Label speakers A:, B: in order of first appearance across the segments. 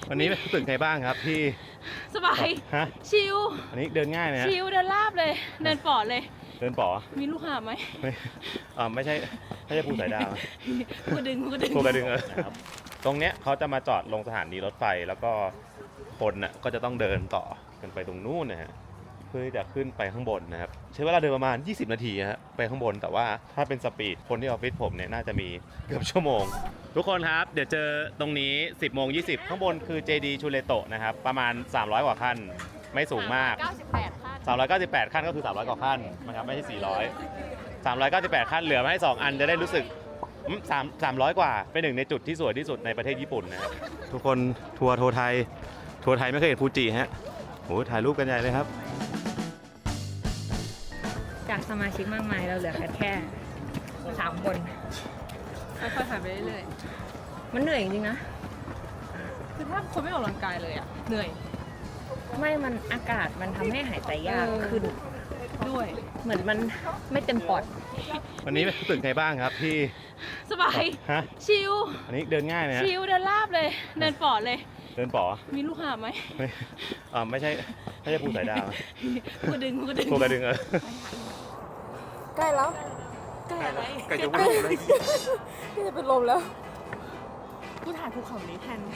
A: วันนี้รู้สึกไงบ้างครับที่
B: สบาย
A: ฮะ
B: ชิล
A: อันนี้เดินง่ายไหมฮะ
B: ชิลเดินลาบเลยเดินปอดเลย
A: เดินป๋อ
B: มีลูกหาบไหม
A: ไม่ใช่ภูสายดาว
B: กูดึง
A: ภูกระดึงตรงเนี้ยเขาจะมาจอดลงสถานีรถไฟแล้วก็คนน่ะก็จะต้องเดินต่อกันไปตรงนู้นนะฮะเพื่อที่จะขึ้นไปข้างบนนะครับใช้เวลาเดินประมาณ20 นาทีฮะไปข้างบนแต่ว่าถ้าเป็นสปีดคนที่ออฟฟิศผมเนี่ยน่าจะมีเกือบชั่วโมงทุกคนครับเดี๋ยวเจอตรงนี้ 10:20 ข้างบนคือ JD ชูเลโตะนะครับประมาณ300 กว่าขั้นไม่สูงมาก398 ขั้นก็คือ300 กว่าขั้นนะครับไม่ใช่400 398 ขั้นเหลือมาให้2อันจะได้รู้สึก300 กว่าเป็นหนึ่งในจุดที่สวยที่สุดในประเทศญี่ปุ่นนะครับทุกคนทัวร์ไทยไม่เคยเห็นฟูจิฮะโหถ่ายรูปกันใหญ่เลยครับ
B: จากสมาชิกมากมายเราเหลือแค่3 คนค่อยๆถ่ายไปเรื่อยๆมันเหนื่อยจริงๆนะคือถ้าคนไม่ออกกำลังกายเลยอ่ะเหนื่อยไม่มันอากาศมันทำให้หายใจยากขึ้นด้วยเหมือนมันไม่เต็มปอด
A: วันนี้รู้สึกไงบ้างครับที่
B: สบายชิล
A: อันนี้เดินง่ายไหมฮะ
B: ชิลเดินลาบเลยเดินปอดเลย
A: เดินป๋อ
B: มีลูกหาบไหม
A: ไม่ใช่ภูสายดาว
B: กูดึง
A: ภูกระดึง
C: ใกล้แล้ว
B: ใกล้อะไร
A: ใกล้จะวิ่งเลย
C: ก็จะเป็นลมแล้ว
B: กูถ่ายภูเขานี้แทน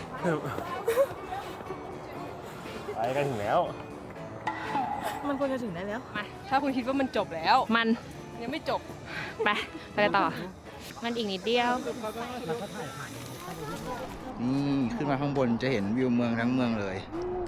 A: ไปกันถึงแล้ว
B: มันควรจะถึงได้แล้วมาถ้าคุณคิดว่ามันจบแล้วมันยังไม่จบไปต่อมันอีกนิดเดียว
D: นี่ขึ้นมาข้างบนจะเห็นวิวเมืองทั้งเมืองเลย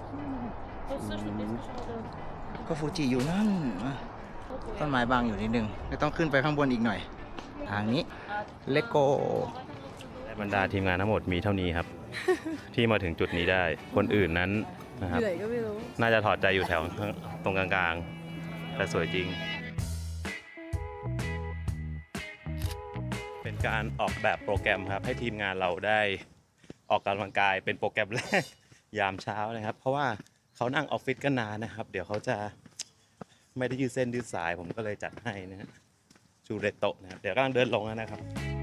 D: ก็ฟูจิอยู่นั่นต้นไม้บางอยู่นิดนึงไม่ต้องขึ้นไปข้างบนอีกหน่อยทางนี้เลโก้
A: บรรดาทีมงานทั้งหมดมีเท่านี้ครับ ที่มาถึงจุดนี้ได้คนอื่นนั้นนะครับน่าจะถอดใจอยู่แถวตรงกลางๆแต่สวยจริงเป็นการออกแบบโปรแกรมครับให้ทีมงานเราได้ออกกำลังกายเป็นโปรแกรมแรกยามเช้านะครับเพราะว่าเขานั่งออฟฟิศกันนานนะครับเดี๋ยวเขาจะไม่ได้ยืดเส้นยืดสายผมก็เลยจัดให้นะฮะชูเรโตะนะครับเดี๋ยวกำลังเดินลงแล้วนะครับ